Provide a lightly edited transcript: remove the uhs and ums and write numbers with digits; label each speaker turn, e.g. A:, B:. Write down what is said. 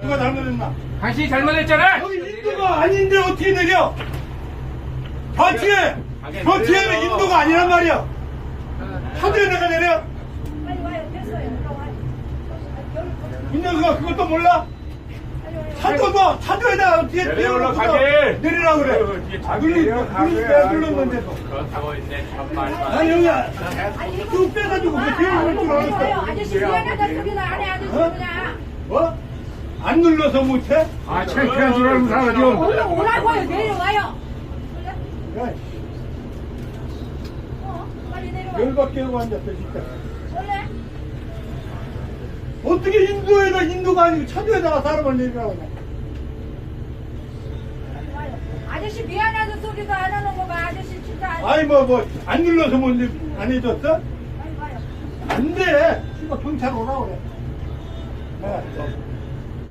A: 누가 잘못했나?
B: 당신이 잘못했잖아.
A: 여기 인도가 아닌데 어떻게 내려? 저 뒤에는 인도가 아니란 말이야. 차도에 내가 내려?
C: 빨리 와요. 됐어요. 올라와요.
A: 인도가 그것도 몰라? 차도에다가 어떻게 내리라 그래? 내가 눌렀는데도.
B: 그렇다고 이제 정말만.
A: 아니 여기 쭉 빼가지고 그 뒤에 올줄
C: 빨리 와요.
A: 알았어.
C: 아저씨 미안하다 소리나 안해 아저씨 그냥.
A: 뭐? 안 눌러서 못해?
D: 아, 창피한 줄 알고 살아요.
C: 오라고요. 내려와요.
A: 그래.
C: 빨리 내려와.
A: 열받게 하고 앉았어 진짜.
C: 원래
A: 어떻게 인도가 아니고 차도에다가 사람을 내리라고 하냐?
C: 와요. 아저씨 미안하다 소리도 안 하는 거 봐. 아저씨 진짜
A: 아니 안 눌러서 안 해줬어?
C: 빨리 와요.
A: 안 돼. 씨발 경찰 오라 그래. 네.